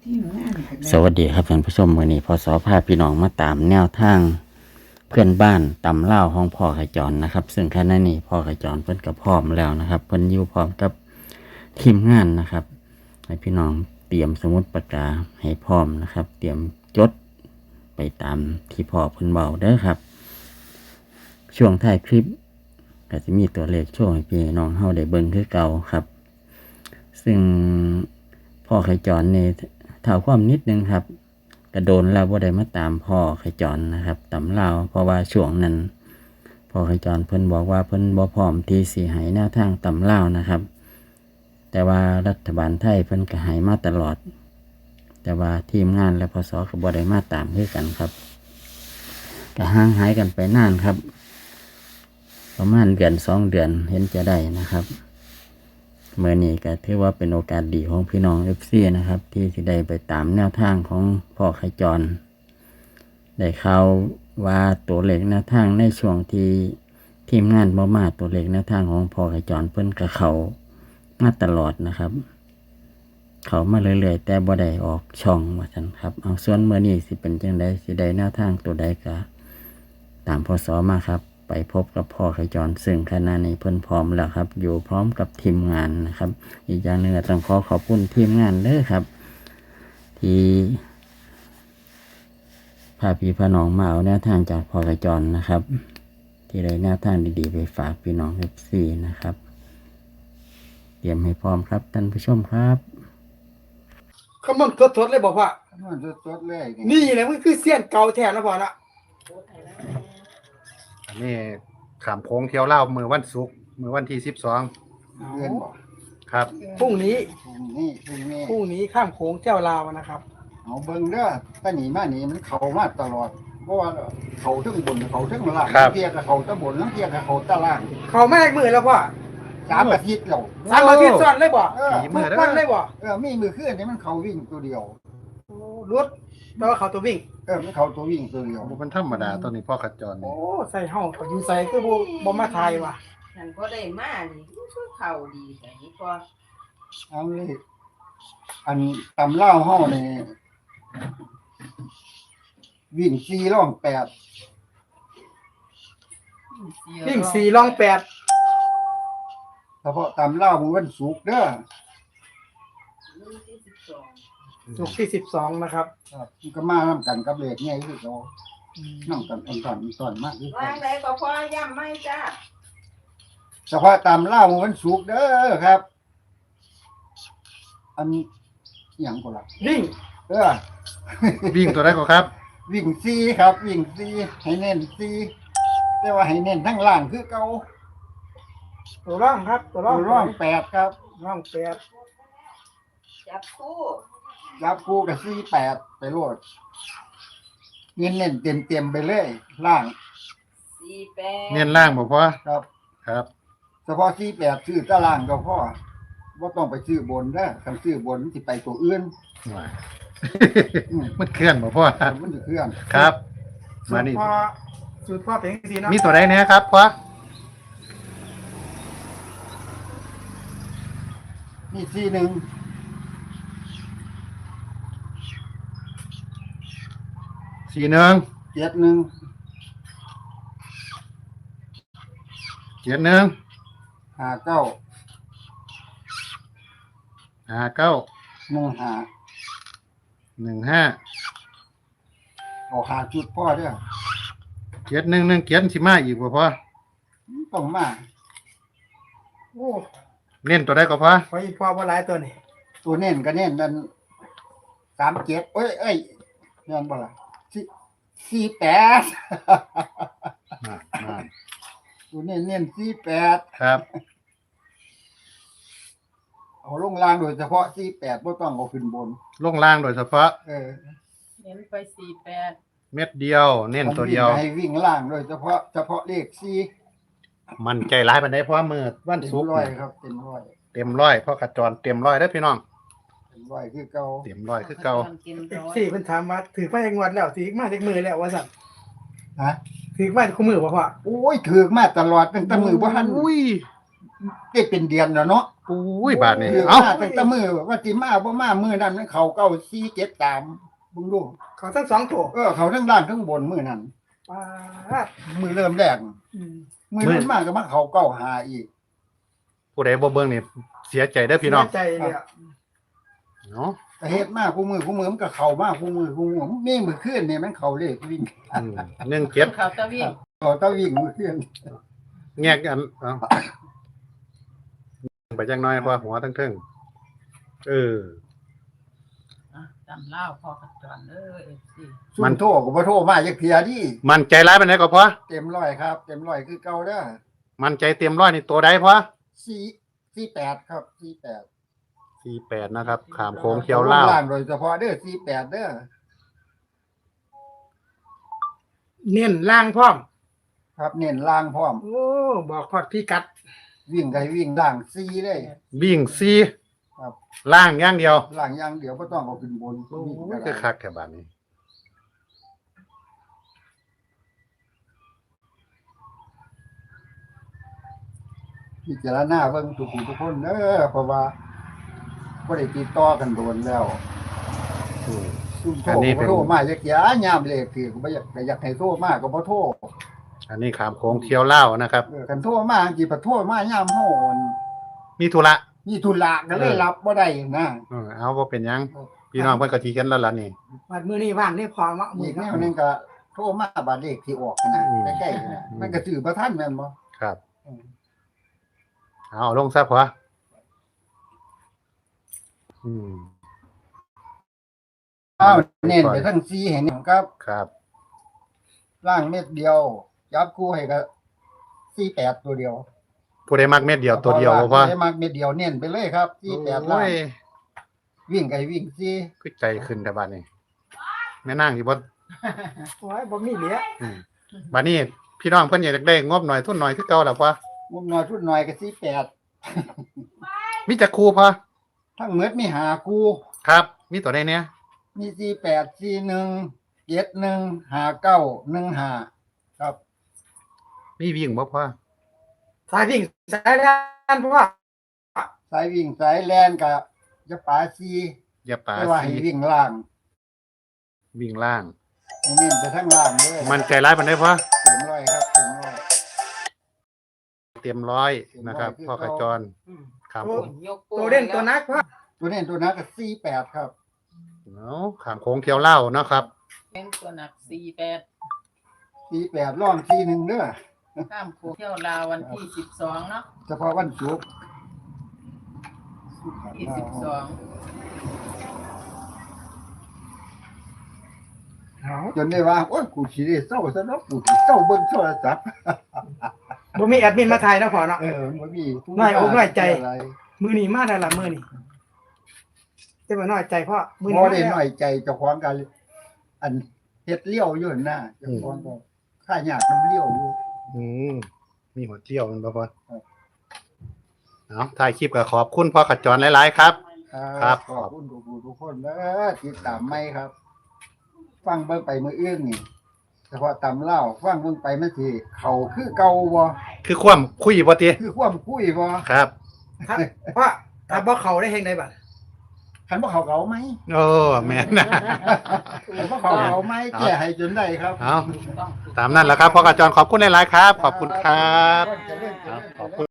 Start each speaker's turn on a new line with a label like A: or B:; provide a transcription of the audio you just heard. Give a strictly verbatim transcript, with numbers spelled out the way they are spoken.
A: สวัสดีครับท่านผู้ชมวันนี้พศพาพี่น้องมาตามแนวทางเพื่อนบ้านตำเล่าห้องพ่อขจรนะครับ ซึ่งขณะนี้พ่อขจรเพิ่นก็พร้อมแล้วนะครับเพิ่นอยู่พร้อมกับทีมงานนะครับให้พี่น้องเตรียมสมุดปากกาให้พร้อมนะครับ เตรียมจดไปตามที่พ่อเพิ่นเบาเด้อครับ ช่วงท้ายคลิปก็จะมีตัวเลขโชว์ให้พี่น้องเฮาได้เบิ่งคือเก่าครับ ซึ่งพ่อขจรนี่เท่าความนิดนึงครับกระโดนแล้วว่าได้มาตามพ่อขจรนะครับตำเล่าเพราะว่าช่วงนั้นพ่อขจรเพิ่นบอกว่าเพิ่นบ่พร้อมที่สิให้แนวทางตำเล่านะครับแต่ว่ารัฐบาลไทยเพิ่นก็ให้มาตลอดแต่ว่าทีมงานและพศก็บ่ได้มาตามด้วยกันครับก็ห่างหายกันไปนานครับประมาณเดือนสองเดือนเห็นจะได้นะครับเมื่อนี้ก็ถือว่าเป็นโอกาสดีของพี่น้อง เอฟ ซี นะครับที่จะได้ไปตามแนวทางของพ่อขจรได้ข่าวว่าตัวเลขแนวทางในช่วงที่ทีมงานบ่มาตัวเลขแนวทางของพ่อขจรเพิ่นกับเขามาตลอดนะครับเขามาเรื่อยๆแต่บ่ได้ออกช่องว่าซั่นครับเอาส่วนเมื่อนี้สิเป็นจังไดสิได้แนวทางตัวใดก็ตามพศมาครับไปพบกับพ่อขจรซึ่งขณะนี้เพิ่นพร้อมแล้วครับอยู่พร้อมกับทีมงานนะครับอีกอย่างหนึ่งต้องขอขอบคุณทีมงานเด้อครับที่พาพี่พาน้องมาเอาแนวทางจากพ่อขจรนะครับที่ได้แนวทางดีๆไปฝากพี่น้อง เอฟ ซี นะครับเตรียมให้พร้อมครับท่านผู้ชมครับ
B: คำมันสดๆเลยบอกว่า
C: มันสดๆเลย
B: นี่แหละมันคือเสี้ยนเก่าแท้นะพ่อนะ
D: อันนี้ขามโค้งเที่ยวเล่ามือวันศุกร์มือวันที่สิบสอง
C: เพื่อนบอก
D: ครับ
B: พรุ่งนี้
C: พรุ่งนี้พรุ่งนี้
B: พรุ่งนี้ข้ามโขงเจ้าลาวนะครับ
C: เอาเบิ่งเด้อป้าหนีมาหนีมันเข้ามาตลอดเพราะว่าเขาทั้งบนเขาทั้งล่างเทียกับเขาตะบนแล้วเทียกับเขาตะล่าง
B: เขาแม่มือแล้วพ่อ
C: สามอาทิตย์แล้ว
B: สามอาทิตย์ซ้อนเลยบ่
C: เออ
B: ทุกวันเลยบ่
C: เออมีมือเคลื่อนนี่มันเขาวิ่งตัวเดียว
B: รถแปลว่าเขาตัววิ่ง
C: เออมันเขาตัววิ่งตัวเดียว
D: มันธรรมดาตอนนี้พ่อขจร
B: โอ้ใส่ห้องเขาอยู่ใส่คือบ่บ่มาทายว่ะ
E: ฉันก็ได้มานี่คือเข่าดีแต่นี่พอ
C: เอาเลยอันตำเล่าห้อนี่วิ่งสี่ร่องแปด
B: วิ่งสี่ร่องแปด
C: เฉพาะตำเล่ามือวันศุกร์เด้อ
B: ศุกร์ที่สิบสองนะครับ
C: ครับก็มาน้ำกันกับเลขไงคือเราน้ำกันตอนตอนตอนมากที่สุด
E: วางไหนก็พอย่ำไม่จ้า
C: เฉพาะตำเล่ามือวันศุกร์เด้อครับอันอย่างก็ละ
B: วิ่ง
C: เออ
D: วิ่งตัวได้ก็ครับ
C: วิ่งซีครับวิ่งซีให้เน้นซีแต่ว่าให้เน้นทั้งล่างคือเก่า
B: ตัวร่องครับตัวร่อง
C: ตัวร่องแปดครับ
B: ร่องแปด
E: จับคู่
C: จับคู่กับซีแปดไปโลดเน้นเน้นเต็มเต็มไปเลยล่าง
E: สี่แปด
D: เน้นล่างบอกพ่อ
C: ครับ
D: ครับ
C: เฉพาะซีแปดซื้อตารางก็พ่อว่าต้องไปซื้อบนได้คันซื้อบนสิไปตัวอื่น
D: มันเคลื่อนบอกพ่อ
C: มันจะเคลื่อน
D: ครับมานี่
B: สูตรพ่อเป็นสีนะ
D: มีตัวใดเนี่ยครับพ่อ
C: นี่ซีหนึ่ง
D: สี่หนึ่ง
C: เจ็ดหนึ่ง
D: เจ็ดหนึ่ง
C: ห้าเก้า
D: ห้าเก้า
C: หนึ่งห้า
D: หนึ่งห้า
C: เอาหาจุดพ่อเด้อ
D: เจ็ดหนึ่งหนึ่งเจ็ดสิมาอีกบ่พ่อ
C: ต้องมา
B: โอ้
D: เน้นตัวได้ก็พ่อ
B: พออีกพ่อว่าหลายตัวนี่
C: ตัวเน้นก็เน้นนั่นสามเจ็ดเอ้ยเอ้ยเน้นบ่ล่ะสี่สี่แปดตัวเน้นเน้นสี่แปด
D: ครับ
C: เอาลงล่างโดยเฉพาะสี่แปดไม่ต้องเอาขึ้นบน
D: ลงล่างโดยเฉพาะ
C: เออ
E: เน้นไปสี่แปด
D: เม็ดเดียวเน้นตัวเดียว
C: ให้วิ่งล่างโดยเฉพาะเฉพาะเลขสี่
D: มันใจร้ายปานใดเพราะมือวันศุกร์
C: ร้อยครับเต็มร้อย
D: เต็มร้อยเพราะขจรเต็มร้อยได้พี่น้อง
C: เต็มร้อยคือเก่า
D: เต็มร้อยคือเก่า
B: สี่เพิ่นถามว่าถือมาจากงวดแล้วถือมาจากมือแล้วว่าสั่น
C: ฮะ
B: ถือมาคู่มือบ่พ่อ
C: โอ้ยถือมาตลอดตั้งแต่มือบ่ทันอุ้ยได้เป็นเดือนแล้วเนาะ
D: ปุ้ยบาทนี่
C: คือ
D: เอ้า
C: มาตั้งแต่มือว่าสิมาบ่มามือนั้นมันเขาเก้าสี่เจ็ดสามเบิ่งดู
B: เขาทั้งสองตัว
C: เออเขาทั้งล่างทั้งบนมือนั้น
B: ป้าด
C: มือเริ่มแรก
B: อืม
C: มือนั้นมากก็มาเขาเก้าหาอีก
D: ผู้ใดบ่เบิ่งนี่เสียใจเด้อพี่น้อง
B: เสียใจเลยอะ
D: เนาะ
C: แต่เฮ็ดมากคู่มือคู่มือมันก็เข้ามากคู่มือคู่มือมีมือขึ้นนี่มันเข้าเลขวิ่ง
D: อืมหนึ่งเจ็ด
E: เขาตะวิ่ง
C: เขาตะวิ่งมือขึ้น
D: แงกอันเอ้าไปจังน้อยเพราะหัวทั้งเทิงเออ
E: อ่ะจำเล่าพอกันจอนเด้อเอฟซี
C: มันโทรก็บ่โทรมาจักเที่ยดิ
D: มันใจร้ายปานใดก็พอ
C: เต็มร้อยครับ เต็มร้อยคือเก่าเด้อ
D: มันใจเต็มร้อยนี่ตัวใดพอ
C: สี่สี่แปดครับสี่แปด
D: สี่แปดนะครับขามโค้งเขียวเล่าว
C: ล่างโดยเฉพาะเด้อสี่แปดเด้อ
B: เน้นล่างพร้อม
C: ครับเน้นล่างพร้อม
B: โอ้บอกพอดพี่กัด
C: วิ่งไกวิ่งล่างสี่เลย
D: วิ่งสี่
C: ครับ
D: ล่างอย่างเดียว
C: ล่างอย่างเดียวบ่ต้องเอาขึ้นบน
D: โอ้
C: วิ่ง
D: ย
C: ก็
D: คือ
C: ได้
D: คักแค่บาดนี้
C: พิจารณาเบิ่งทุกผู้ทุกคนเด้อเพราะว่าบ่ได้ติดต่อกันโดนแล้ว
D: อืม
C: ซุ่มโทร
D: อันนี้เป็
C: บ่
D: น
C: โทรมาจักยายามเลขคือก็บ่อยากก็อยากให้โทรมาก็บ่โทร
D: อันนี้ขามโค้งเขียวเล่าวนะครับ
C: เออคันโทรมาจังซี่บ่โทรมายามเฮาอั่น
D: มีธุระ
C: มีธุระก็เลยรับบ่ได้นะ
D: เออเอาบ่เป็นหยังพี่น้องเพิ่นก็สิกันแล้วล่ะนี่
B: วัดมือนี้ว่างได้พอมะมื
C: อี
B: อก
C: แน
B: เนาะ
C: วหนึงก็โทรมาบัดเลขที่ออกนะใกล้ๆนะมันก็ซื้อบ่ทันแม่นบ่
D: ครับเอาลงซะพออืม
C: อ้าวเน้นไปทั้งสี่ให้นี่ครับ
D: ครับ
C: ล่างเม็ดเดียวจับคู่ให้ก็สี่แปดตัวเดียว
D: ผู้ใดมักเม็ดเดียวตัวเดียวบ่พอ
C: ได้มากเม็ดเดียวเน้นไปเลยครับสี่แปดล่า
D: โอ้
C: ง
D: ย
C: วิ่งไกวิ่งสี่
D: คือใจขึ้นแต่บัดนี้แม่นางสิบ่
B: โอ้ยบ่มีเหลือ
D: อืมบัดนี้พี่น้องเพิ่นอยากได้งบหน่อยทุนหน่อยคือเก่าล่ะพอ
C: มุมน้อยชุดหน่อยก็สี่แปด
D: มีจักครูพอ
C: ทั้งเม็ดมีหากู
D: ครับ มีตัวใดเนี่ย
C: มีสี่แปดสี่หนึ่งเจ็ดหนึ่งหาเก้าหนึ่งหาครับ
D: มีวิ่งบ่พอ
B: สายวิ่งสายด้านเพราะว่า
C: สายวิ่งสายแลนกับจะป่าซี
D: อย่าป่า
C: ไม่ว่า
D: สี
C: ให้วิ่งล่าง
D: วิ่งล่าง
C: ให้เน้นไปทั้งล่างเลย
D: มันใจร้ายปานใดพอ
C: เต็มร้อยครับเต็มร้อย
D: เตรียมร้อยนะครับ
C: เตรียมร้อย
D: พ่อขจร
B: อืม
D: ครับผม
E: ยก
B: ตัวเด่นตัวนักพ่อ
C: ตัวเน้นตัวนั้นก็สี่แปดครับ
D: เนาะขามโค้งเที่ยวเล่าเนาะครับ
E: เป็นตัวหนักสี่แปด
C: สี่แปดร่องสี่หนึ่งเด้อ
E: ข้ามโค้งเที่ยวลาววันที่สิบสองเนาะ
C: เฉพาะวันศุกร์
E: ที่สิบสอง
B: เอา
C: จนได้ว่าโอ้ยกูสิได้เศร้าซะเนาะกูสิเศร้าเบิ่งโทรศัพท์
B: บ่มีแอดมินมาถ่ายเนาะพ่อเนาะ
C: เออมันบ่มีผู้
B: น้อยอกน้อยใจ
C: อะไร
B: มือนี้มาได้ละมือนี้จะมาน้อยใจพ่อมือ
C: บ่
B: นี้
C: ได้
B: มา
C: น้อยใจเจ้าของกันอันเฮ็ดเลี้ยวอยู่หั่นน่ะเจ้าของก็ค่ายากนํเลี้ยวอยู่
D: อืมมีหัวเที่ยวมันบ่พอ
C: ครับ
D: เอาถ่ายคลิปก็ขอบคุณพ่อขจรหลายๆครับ ครับ
C: ขอบคุณทุกผู้ทุกคนเด้อติดตามไหมครับ ฟังเบิ่งไปมื้ออื่นนี่เฉพาะตำเล่าฟังเบิ่งไปมันสิเข้าคือเก่าบ่
D: คือความคุยบ่ติ
C: คือความคุยบ่
D: ครับ
B: ครับพ่อถ้าบ่เขาได้เฮงได้บัด
C: คันบ่เข้าเก่าไหม
D: โอ้แม่นนะ
C: คันบ่เข้าเก่าไหมแก้ให้จนได้ครับ
D: เอา
E: ต้อง
D: ตามนั้นแหละครับพ่อขจรขอบคุณหลายๆครับ ขอบคุณครับ
C: เจริญเจริญ
D: ขอบคุณ